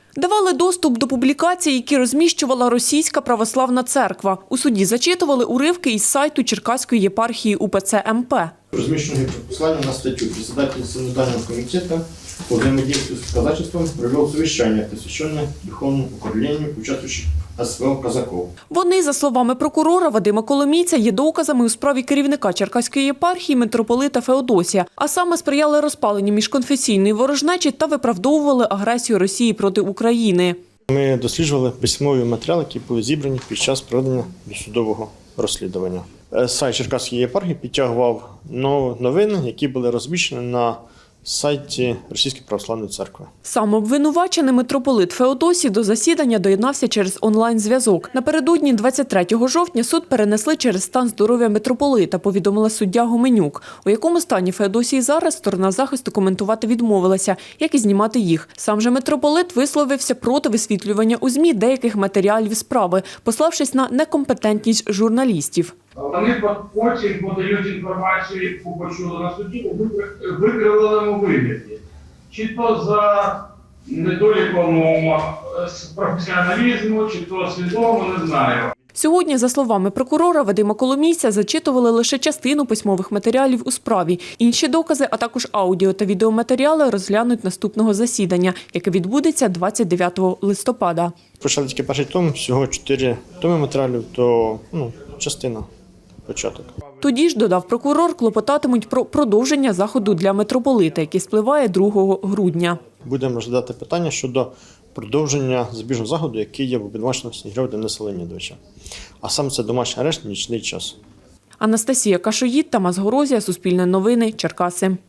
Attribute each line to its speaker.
Speaker 1: Давали доступ до публікацій, які розміщувала Російська православна церква. У суді зачитували уривки із сайту Черкаської єпархії УПЦ МП.
Speaker 2: Размещенные послания на статью председатель Синодального комитета по взаимодействию с казачеством провел совещание, посвященное духовному укреплению участвующих СВО казаков.
Speaker 1: Вони, за словами прокурора Вадима Коломійця, є доказами у справі керівника Черкаської єпархії митрополита Феодосія, а саме сприяли розпаленню міжконфесійної ворожнечі та виправдовували агресію Росії проти України.
Speaker 2: Ми досліджували письмові матеріали, які були зібрані під час проведення досудового розслідування. Сайт Черкаської єпархії підтягував новини, які були розміщені на сайті Російської православної церкви.
Speaker 1: Сам обвинувачений митрополит Феодосій до засідання доєднався через онлайн-зв'язок. Напередодні 23 жовтня суд перенесли через стан здоров'я митрополита, повідомила суддя Гоменюк. У якому стані Феодосій зараз, сторона захисту коментувати відмовилася, як і знімати їх. Сам же митрополит висловився проти висвітлювання у ЗМІ деяких матеріалів справи, пославшись на некомпетентність журналістів.
Speaker 3: Вони потім подають інформацію, яку почули на суді, у викривленому вигляді. Чи то за недоліком професіоналізму, чи то свідомо, не знаю.
Speaker 1: Сьогодні, за словами прокурора Вадима Коломійця, зачитували лише частину письмових матеріалів у справі. Інші докази, а також аудіо та відеоматеріали розглянуть наступного засідання, яке відбудеться 29 листопада.
Speaker 2: Почали тільки перший том, всього 4 томи матеріалів, то частина, початок.
Speaker 1: Тоді ж, додав прокурор, клопотатимуть про продовження заходу для митрополита, який спливає 2 грудня.
Speaker 2: Будемо розглядати питання щодо продовження запобіжного заходу, який є в обвинуваченому Снігирьова Дениса Леонідовича. А саме це домашній арешт, нічний час.
Speaker 1: Анастасія Кашоїд, Тамас Горозія, Суспільне новини, Черкаси.